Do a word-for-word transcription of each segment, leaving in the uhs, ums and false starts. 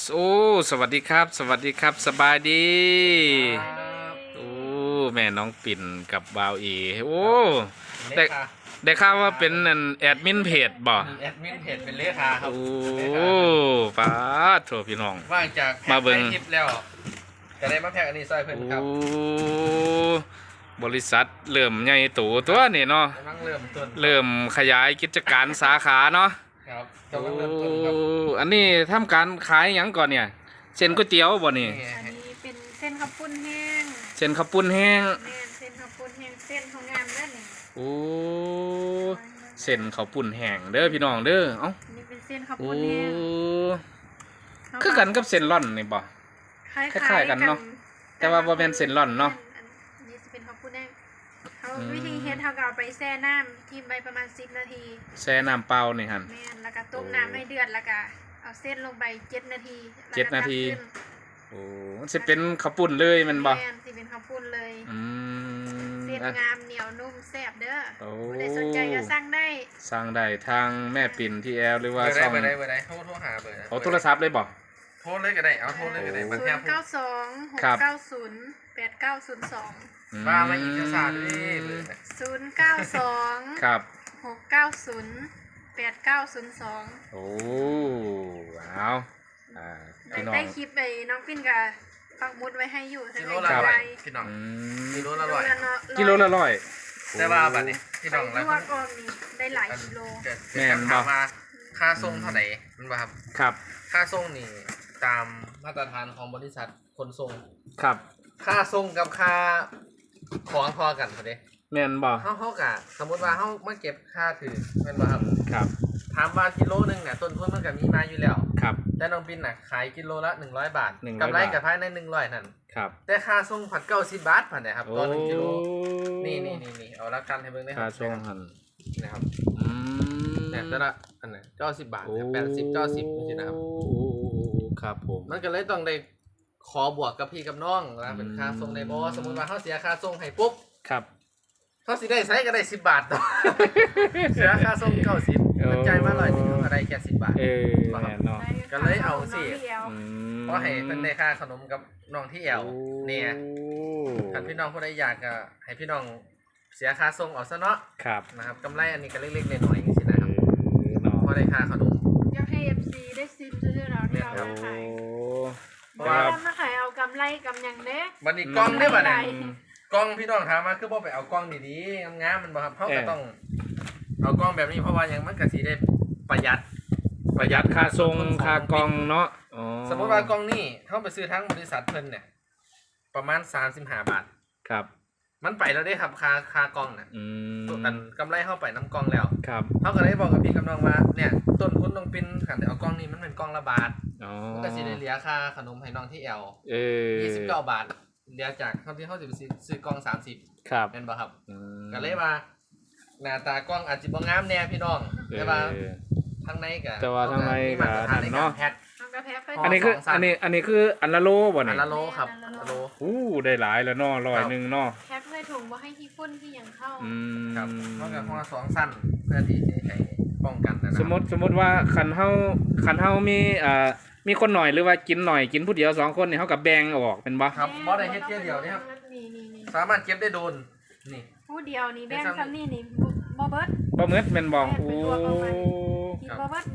โอ้สวัสดีครับสวัสดีครับสบายดีโอ้แม่น้องปิ่นกับบาวอีโอ้ได้ได้ข่าวว่าเป็นแอดมินเพจบ่แอดมินเพจเป็นเลขาครับโอ้ป้าโถพี่น้องว่างจากมาเบิ่งคลิปแล้วจะได้มาแพ็กอันนี้ซอยเพิ่นครับโอ้บริษัทเริ่มใหญ่โตตัวนี่เนาะกำลังเริ่มต้นเริ่มขยายกิจการสาขาเนาะครับกำลังเริ่มต้นครับอันนี้ทำการขายหยังก่อนเนี่ยเส้นก๋วยเตี๋ยวบ่นี่อันนี้เป็นเส้นข้าวปุ้นแห้งเส้นข้าวปุ้นแห้งแม่นเส้นข้าวปุ้นแห้งเส้นของงามนั่นนี่โอ้เส้นข้าวปุ้นแห้งเด้อพี่น้องเด้อเอ้าอันนี้เป็นเส้นข้าวโอ้ปุ้นแห้งคือกันกับเส้นร่อนนี่บ่คล้ายคล้ายๆกันเนาะแต่ว่าบ่แม่นเส้นร่อนเนาะอันนี้จะเป็นข้าวปุ้นแห้งเขาวิธีเฮ็ดเขาก็เอาไปแช่น้ำทิ้งไปประมาณสิบนาทีแช่น้ำเปล่านี่หั่นแม่นแล้วก็ต้มน้ำให้เดือดแล้วก็เอาเส้นลงไปเจ็ดนาทีเจ็ดนาทีโอ้มันสิเป็นข้าวปุ้นเลยแม่นบ่แม่นสิเป็นข้าวปุ้นเลยอืมเส้นงามเหนียวนุ่มแซ่บเด้อโอ้ผู้ใดสนใจก็สั่งได้สั่งได้ทางแม่ปิ่นที่แอลหรือว่าช่องเบอร์ใดเบอร์ใดโทรโทรหาเบอร์เอาโทรศัพท์เลยบ่โทรเลยก็ได้เอาโทรเลยก็ได้มาศูแพ็นกย์เก้าสองหกเก้าศูนย์แปดเก้าศูนย์สองว่ามาอีกภาษาด้วยเบอร์ศูนย์เก้าสองครับหกเก้าศูนย์แปดเก้าศูนย์สองโอ้เอาอ่าพี่น้องได้คลิปไปน้องปิ้นกับปักมุดไว้ให้อยู่กิโลละร้อยพี่น้องกิโลละร้อยกิโลละร้อยแต่ว่าบัดนี้พี่น้องแล้วก็กองนี้ได้หลายกิโลแม่นบ่มาค่าส่งเท่าไหร่มันบ่ครับครับค่าส่งนี่ตามมาตรฐานของบริษัทขนส่งครับค่าส่งกับค่าของพอกันพอดีแม่นบ่เฮาเฮากะสมมุติว่าเฮามาเก็บค่าถือแม่นบ่ครับครับถามว่ากิโลนึงเนี่ยต้นทุนมันก็มีมาอยู่แล้วครับแต่น้องปิ่นน่ะขายกิโลละหนึ่งร้อยบาทหนึ่งร้อยกำไรก็ภายในหนึ่งร้อยนั่นครับแต่ค่าส่งผัดเก้าสิบบาทพันเนี่ยครับต่อหนึ่งกิโลนี่ๆๆๆเอาละกันให้เบิ่งได้ครับค่าส่งหั่นนะครับอืมเนี่ยแต่ละอันน่ะเก้าสิบบาทเนี่ยแปดสิบ เก้าสิบจังซี่นะครับครับผมมันก็เลยต้องได้ขอบวกกับพี่กับน้องนะเป็นค่าส่งในบ่สมมุติว่าเฮาเสียค่าส่งให้ปุ๊บครับเขาสิได้ใช้ก็ได้สิบบาทต่อเสียค่าส่งเก้าสิบมันใจมาร้อยหนึ่งเขาก็ได้แค่สิบบาทเออแม่นเนาะก็เลยเอาสิเพราะให้เพิ่นได้ค่าขนมกับน้องที่แอวเนี่ยท่านพี่น้องผู้ใดอยากก็ให้พี่น้องเสียค่าส่งเอาซะเนาะครับนะครับกำไรอันนี้ก็เล็กๆน้อยๆจังซี่นะครับเพราะได้ค่าขนมอยากให้ เอฟ ซี ได้ซิมซื้อเราที่เราทำขายเพราะว่ามาขายเอากำไรกำยังเด้บัดนี้กล้องได้บ่เนี่ยกล้องพี่น้องถามมาคือบ่ไปเอากล้องดีๆงามๆมันบ่ครับเฮาก็ต้องเอากล้องแบบนี้เพราะว่ายังมันก็สิได้ประหยัดประหยัดค่าส่งค่ากล้องเนาะอ๋อสมมุติว่ากล้องนี่เฮาไปซื้อทั้งบริษัทเพิ่นเนี่ยประมาณสามสิบห้าบาทครับมันไปแล้วเด้ครับค่าค่ากล้องน่ะอืมกันกำไรเฮาไปนำกล้องแล้วครับเฮาก็เลยบอกกับพี่กับน้องว่าเนี่ยต้นทุนน้องปิ่นคันได้เอากล้องนี้มันเป็นกล้องละบาทอ๋อมันก็สิได้เหลือค่าขนมให้น้องที่แอลเออยี่สิบเก้าบาทเหลือจากเท่าที่เฮาสิไปซื้อกล้องสามสิบครับแม่นบ่ครับอืมก็เลยว่าหน้าตากล้องอาจสิบ่งามแน่พี่น้องแต่ว่าทางในก็แต่ว่าทางในก็นั่นเนาะอันนี้คืออันนี้อันนี้คืออันละโลบ่นี่อันละโลครับอันละโลอู้ได้หลายแล้วเนาะร้อยนึงเนาะแคปให้ถุงบ่ให้ขี้ฝุ่นที่ยังเข้าอืมครับเพราะกับหัวสองสั้นเพื่อที่จะให้ป้องกันนะสมมุติสมมุติว่าคันเฮาคันเฮามีอ่ามีคนหน่อยหรือว่ากินหน่อยกินผู้เดียวสองคนนี่เฮาก็แบ่งออกเป็นบ่ครับบ่ได้เฮ็ดเที่ยวเดียวนี่ครับสามารถเก็บได้โดนนี่ผู้เดียวนี่แบ่งซ้ำนี่นี่บ่เบิดบ่เบิดแม่นบ่โอ้กินบ่เบิด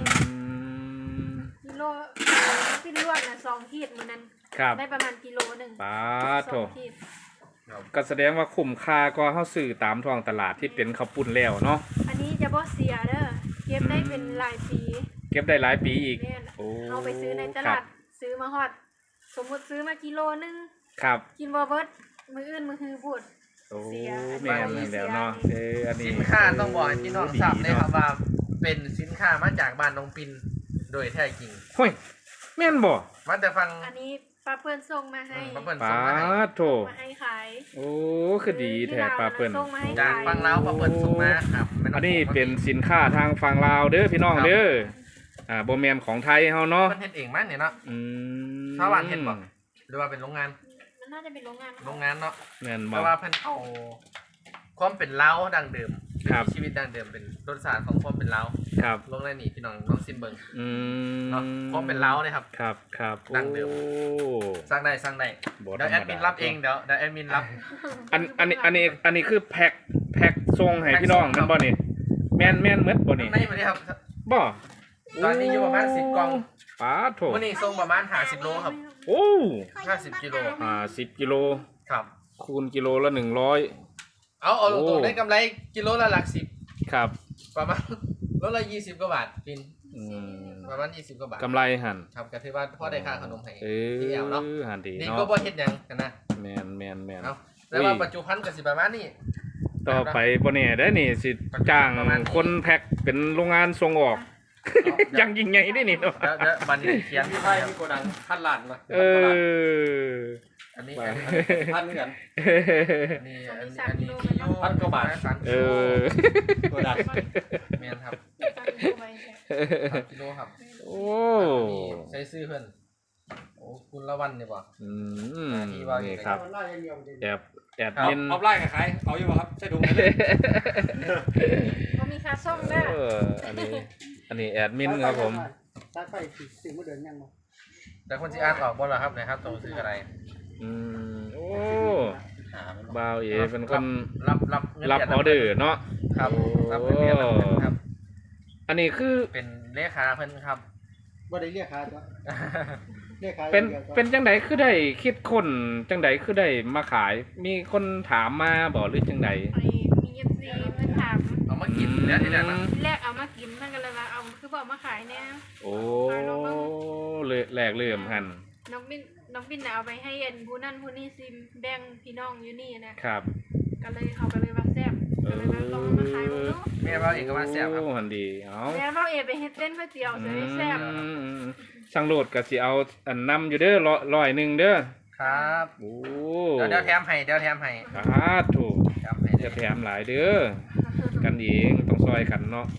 กิโลกินลวกน่ะสองขีดมื้อนั้นได้ประมาณกิโลนึงปาโถก็แสดงว่าคุ้มค่าก็เฮาซื้อตามท้องตลาดที่เป็นข้าวปุ้นแล้วเนาะอันนี้จะบ่เสียเด้อเก็บได้เป็นหลายปีเก็บได้หลายปีอีกโอ้เอาไปซื้อในตลาดซื้อมาฮอดสมมุติซื้อมากิโลนึงครับกินบ่เบิดมื้ออื่นมื้อฮือพูดโอ้แม่นแล้วเนาะเอออันนี้สินค้าต้องบอกให้พี่น้องทราบเลยครับว่าเป็นสินค้ามาจากบ้านน้องปิ่นโดยแท้จริงโอ้ยแม่นบ่มาแต่ฟังอันนี้ป้าเปิ้นส่งมาให้ป้าเปิ้นส่งมาให้โธ่มาให้ขายโอ้คือดีแท้ป้าเปิ้นจากฟังลาวป้าเปิ้นส่งมาครับอันนี้เป็นสินค้าทางฝั่งลาวเด้อพี่น้องเด้ออ่าบ่แม่นของไทยเฮาเนาะเพิ่นเฮ็ดเองมั้ยเนี่ยเนาะอืมชาวบ้านเฮ็ดบ่หรือว่าเป็นโรงงานมันน่าจะเป็นโรงงานโรงงานเนาะแม่นบ่แต่ว่าเพิ่นเอาความเป็นลาวดั้งเดิมครับชีวิตดั้งเดิมเป็นรสชาติของความเป็นเล้าครับลงในนี่พี่น้องน้องซิมเบิงอืมเนาะความเป็นเล้าเลยครับครับครับดั้งเดิมโอ้สร้างได้สร้างได้บ่เดี๋ยวแอดมินรับเองเดี๋ยวเดี๋ยวแอดมินรับอันอันนี้อันนี้อันนี้คือแพ็คแพ็คส่งให้แพ็คพี่น้องส่งครัแม่นบบ่นี่แม่นแม่นหมดบ่นี่ในวันนี้ครับบ่ตอนนี้อยู่ประมาณสิบกล่องปาโถวันนี้ส่งประมาณห้าสิบโลครับโอ้ห้าสิบกิโลอ่าสิบกิโลครับคูณกิโลละหนึ่งร้อยเอาเอาตโอ้รงๆได้กำไรกิโลละหลักสิบครับประมาณ โลละยี่สิบกว่าบาทปินอืมประมาณยี่สิบกว่าบาทกำไรหันครับก็ถือว่าพ่อได้ค่าขนมให้เอที่แอลเนาะอหันดีนี่เนาะก็บ่เฮ็ดหยังกันนะแม่นแม่นแม่นเอาแต่ว่าปัจจุบันก็สิประมาณนี้ต่อไปบ่แน่ได้นี่สิจ้างประมาณนี้คนแพ็คเป็นโรงงานส่งออก ยังยิ่งใหญ่ได้นี่เนาะเดี๋ยวเดี๋ยวบันนี้เขียนพี่ไทยพี่โกดังพันล้านมาเอออันนี้ไปอันนี้พันเหมือนกันอันนี้อันนี้อันนี้คิโยพันกว่าบาทสามเอกิโลอโกดังแม่นครับตั้งตัวไว้แค่สามกิโลครับโอ้อันนี้ใช้ซื้อเพิ่นโอ้คุณละวันนี่บ่อืมที่ว่าอยู่นี่ครับแอบแอบครับยินเอาไล่กับใครเอาอยู่ป่ะครับใช่ถุงไหมเลยบ่มีค่าส่งเด้อเอออันนี้ อันนี้แอดมินครับผมสายไฟสิสิบ่เดินยังบ่แต่คนที่อ่านออกบ่ล่ะครับนะครับต้องซื้ออะไรอืมโอ้หามันบ่าวเอเป็นคนรับรับเงินรับดืนออเดอร์เนาะครับโอ้รับเงินเดือนรับเงินครับอันนี้คือเป็นเลขาเพิ่นครับบ่ได้เรียกหาจ้ะเรียกหาเป็นอย่างดียวจ้ะเป็นจังไดคือได้คิดคนจังไดคือได้มาขาย มีคนถามมาบ่หรือจังไดไอ้มี เอฟ ซี เพิ่นถามเอามากินแล้วที่แรกนะทีแรกเอามากินมันก็เลยว่าเอาคือบ่เอามาขายแน่โอ้เลยแหลกเริ่มหันน้องบินน้องบินน่ะเอาไปให้อันผู้นั่นผู้นี่ซิมแบ่งพี่น้องอยู่นี่นะครับ ก็เลยเขาก็เลยว่าแซ่บก็เลยว่าลองเอามาขายบ่เนาะแม่ว่าเอกว่าแซ่บครับโอ้หันดีเอาแม่เราเอไปเฮ็ดเต้นก๋วยเตี๋ยวจะได้แซ่บอืมช่างโลดก็สิเอาอันนำอยู่เด้อร้อยร้อยหนึ่งเด้อครับโอ้เดี๋ยวเดี๋ยวแถมให้เดี๋ยวแถมให้สาธุแถมให้จะแถมหลายเด้อกันเองต้องซอยกันเนาะ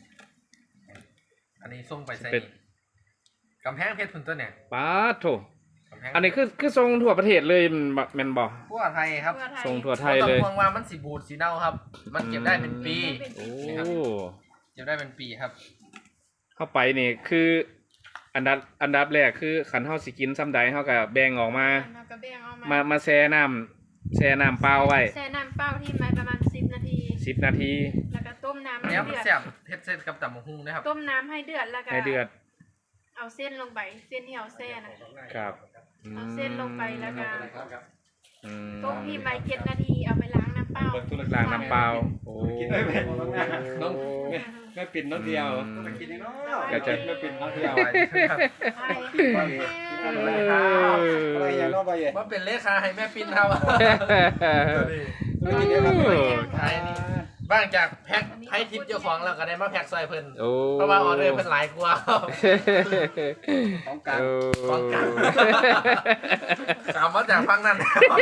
อันนี้ส่งไปใส่เป็นนี่กำแพงเพชรพุ่นตัวเนี่ยป้าโถกำแพงอันนี้คือคือทรงทั่วประเทศเลยแม่นบ่แม่นบ่ทั่วไทยครับทั่วไทยทรงทั่วไทบ่ยต้อเลงยห่วงว่ามันสิบูดสิเน่าครับ มันเก็บได้เป็นปีโอ้เก็บได้เป็นปีครับเข้าไปนี่คือ อันดับอันดับแรกคือขันเฮาสิกินซ้ำใดเฮาก็แบ่งออกมาเราก็แบ่งเอามามามาแช่น้ำแช่น้ำเปล่าไว้แช่น้ำเปล่าที่มาประมาณสิบนาทีสิบนาทีแล้วก็ต้มน้ำอันให้นี้มันเดือดแซ่บเฮ็ดเส้นกับตำบักหุ่งนะครับต้มน้ำให้เดือดแล้วก็ให้เดือดเอาเส้นลงไปเส้นที่เอาแช่นะครับอืมเอาเส้นลงไปแล้วก็อืมต้มพี่ไปเจ็ดนาทีเอาไปล้างน้ำเปล่าล้างน้ำเปล่าโอ้กินได้ไหมน้องแม่แม่ปิ่นน้องเดียวอืมกินเนาะก็จะแม่ปิ่นน้องเดียวครับใช่เออะไรอย่างเนาะบ่เย่ว่าเป็นเลขาให้แม่ปิ้นครับไม่กินเดียวครับใช่นี่บ้างจากแพ็คให้ทิปเจ้าของแล้วก็ได้มาแพ็คซอยเพิ่นโอ้เพราะว่าออเดอร์เพิ่นหลายกว่าของกลางป้องกัน ถามว่าจากฟังนั่น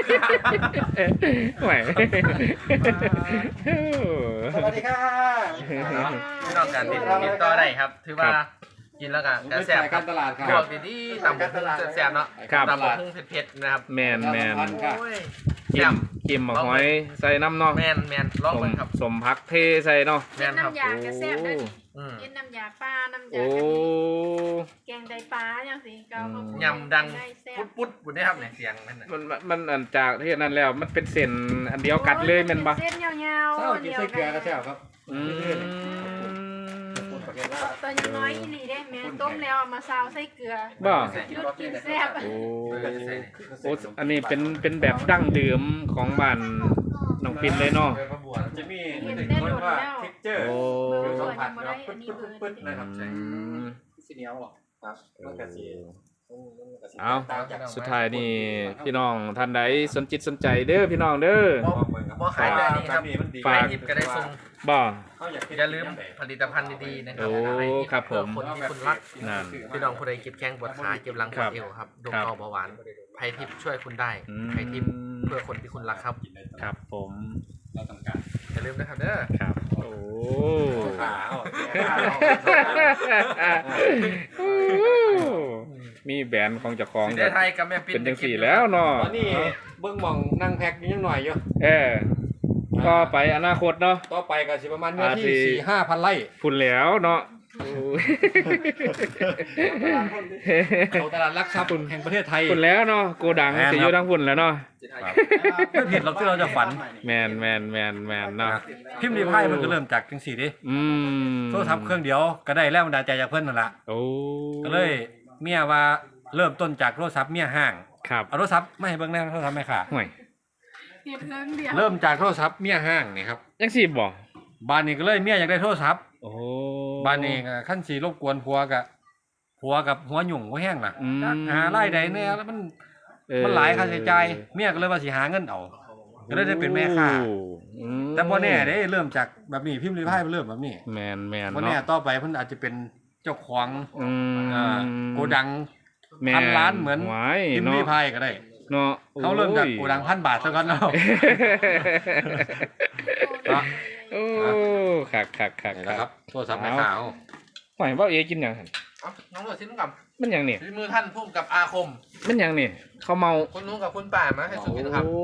ไหวสวัสดีค่ะพี่น้องกันติดติดต่อได้ครับ ถือว่ากินแล้วก็กระแสบไปครักาบรตลาดคพรัวบกดีๆตำบักหุ่งแซ่บๆเนาะครับตำบักหุ่งเผ็ดๆนะครับแมนแมนครับโอ้ยกิแซ่มบกิมหมกหอยใส่น้ำเนาะแมนแมนลองสมเบิ่งครับสมพักเทใส่เนาะแมเย็นนครับน้ำยากระแซ่บด้วยนี่อืมเย็นน้ำยาปลาน้ำยาโอ้กะทิแกงไตปลาอย่างสิเกาเขาพูดยำดังได้แซ่บปุ๊ดปุ๊ดบุญได้ครับเนี่ยเสียงนั่นน่ะมันมันมันอันจากที่นั้นแล้วมันเป็นเส้นอันเดียวกันเลยแม่นบ่เส้นยาวๆเศร้ากินไส้เกลือก็แซ่บครับอืมตัวยังน้อยอีหลีได้แม่ต้มแล้วเอามาซาวใส่เกลือบ่ยุดกินแซ่บโอ้เออใส่นี่โอ้อันนี้เป็นเป็นแบบดั้งเดิมของบ้านน้องปิ่นเลยเนาะเออมาบวชจะมีหนึ่งคนว่าเท็กเจอร์โอ้เบอร์สัเบมอร์ผัสยังบ่คได้รับอันนี้ปึ๊ดเบอปึ๊ดร์ปึ๊ดนะครับอืมสีเหนียวหรอครับมันกระสีเอาสุดท้ายนี่พี่น้องท่านใดสนจิตสนใจเด้อพี่น้องเด้อบ่ขายแบบนี้ครับมันดีฝากไปทิปก็ได้ส่งบ่อย่าลืมผลิตภัณฑ์ดีๆนะครัโอ้ไปทิปครับผมเพื่อคนที่คุณรักนั่นพี่น้องผู้ใดเก็บแข้งปวดขาเก็บหลังปวดเอวครับดมครับเบาเบาหวานไพทิปช่วยคุณได้อืมไพทิปเพื่อคนที่คุณรักครับครับผมเราต้องการอย่าลืมนะครับเด้อครับโอ้ขามีแบรนด์ของเจ้าของสีได้ไทยกับแม่ปิ้นเป็นจังสี่แล้วเนาะตอนนี้เบิ้งมองนั่งแพ็คยังหน่อยอยู่เออก็ไปอนาคตเนาะต่อไปก็สิประมาณเนื้ออาทิที่สี่ห้าพันไร่ฝุ่นแล้วเนาะโอ้ยเขาตลาดหลักทรัพย์แห่งประเทศไทยฝุ่นแล้วเนาะโกดังแม่นครับสิอยู่ทั้งฝุ่นแล้วเนาะไม่ผิดหรอกที่เราจะฝันแมนแมนแมนแมนเนาะพิมพ์รีพายมันก็เริ่มจากจังสี่ดิอืมโทรศัพท์เครื่องเดียวก็ได้แรงบันดาลใจจากเพื่อนนั่นแหละโอ้ก็เลยเมียว่าเริ่มต้นจากโทรศัพท์เมียห้างครับเอาโทรศัพท์ไม่ให้เบิ่งแน่โทรศัพท์ไม่ค่ะห่วยเพียงเรื่องเดียวเริ่มจากโทรศัพท์เมียห้างนี่ครับยังสิบ่บ้านนี้ก็เลยเมียอยากได้โทรศัพท์โอ้บ้านนี้ก็ขั้นสีรบกวนผัวกับผัวกับหัวหยุ่งหัวแห้งล่ะอืมจักหาไล่ใดเนี่ยแล้วมันเออมันหลายค่าใช้จ่ายเมียก็เลยว่าสิหาเงินเอาก็เลยได้เป็นแม่ค้าอืมแต่บ่แน่เด้เริ่มจากแบบนี้พิมพ์รีพายเริ่มแบบนี้แมนแมนบ่แน่เนาะต่อไปเพิ่นอาจจะเป็นเจ้าของอืมอ่าโกดังแม่พันล้านเหมือนไว้พิมพ์เนาะรีพายก็ได้เนาะเขาเริ่มจากโกดังพันบาทซะก่อนเนาะโอ้คักคักคักนี่คันะกครับโทรศัพท์แม่ค้าเอาหอยว่าเอกินหยังหั่นเอ้าน้องหนวดชิ้นกับมันหยังนี่ฝีมือท่านพุ่มกับอาคมมันหยังนี่เขาเมาคุณนุ้งกับคุณป่ามาให้สุกินครับโอ้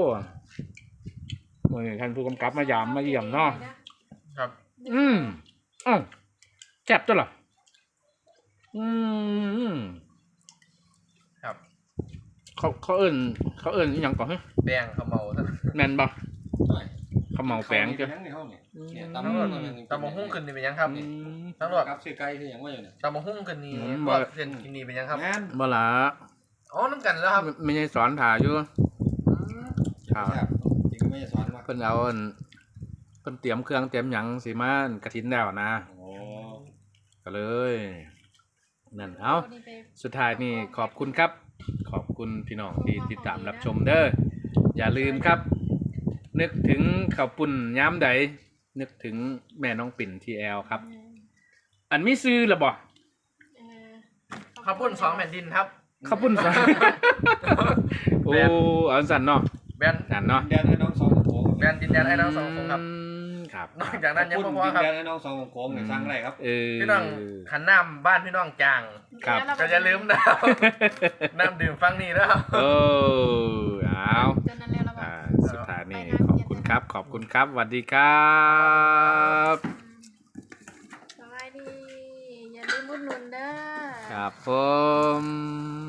โอ้ยท่านผู้กำกับมายามมาเยี่ยมเนาะครับอืมอ้าวแซ่บตัวเหรออืมครับเขาเขาเอิ้นเขาเอิ้นอีหยังก่อนเฮ้ยแบงเขาเมาท่านแม่นบ่เขาเมาแปลงกัจ้ะนในห้องนี่เนี่ยตำรวจตำมะหุ่งขึ้นนี่เป็นยังครับอืมตำรวจครับซื้อไก่คือหยังว่าอยู่เนี่ยตำมะหุ่งขึ้นนี่อืมบอกเส้นกินนี่เป็นยังครับงานบ่ล่ะอ๋อน้ำกันแล้วครับไม่ไม่ใช่สอนถ่าอยู่อืมถ่าครับจริงก็ไม่ได้สอนว่าเพิ่นเอาอันเพิ่นเตรียมเครื่องเตรียมหยังสิมากระถินแล้วนะโอ้ก็เลยนั่นเอาสุดท้ายนี่ขอบคุณครับ ขอบคุณพี่น้องที่ติดตามรับชมเด้ออย่าลืมครับ นึกถึงข้าวปุ่นย้ำใดนึกถึงแม่น้องปิ่นทีแอลครับ อันมีซื้อหรือบ่เออข้าวปุ้นสองแผ่นดินครับข้าวปุ่นซะโอ้อันสั่นเนาะแบนสั่นเนาะดินแดนให้น้องสองโค้งแบนดินแดนไอ้น้องสองคนครับอืมครับนอกจากนั้นยังพูดบ่พอดินครับแดนให้น้องสองโค้งเนี่ยสร้างอะไรครับเออพี่น้องขันน้ำบ้านพี่น้องจางครับก็อย่าลืมนะ น้ำดื่มฟังนี่นะครับเออเอาจนนั้นแล้วเราบอกอ่าสุดท้ายนี่ขอบคุณครับ ขอบคุณครับสวัสดีครับสบายดี อย่าลืมอุดหนุนเด้อครับผม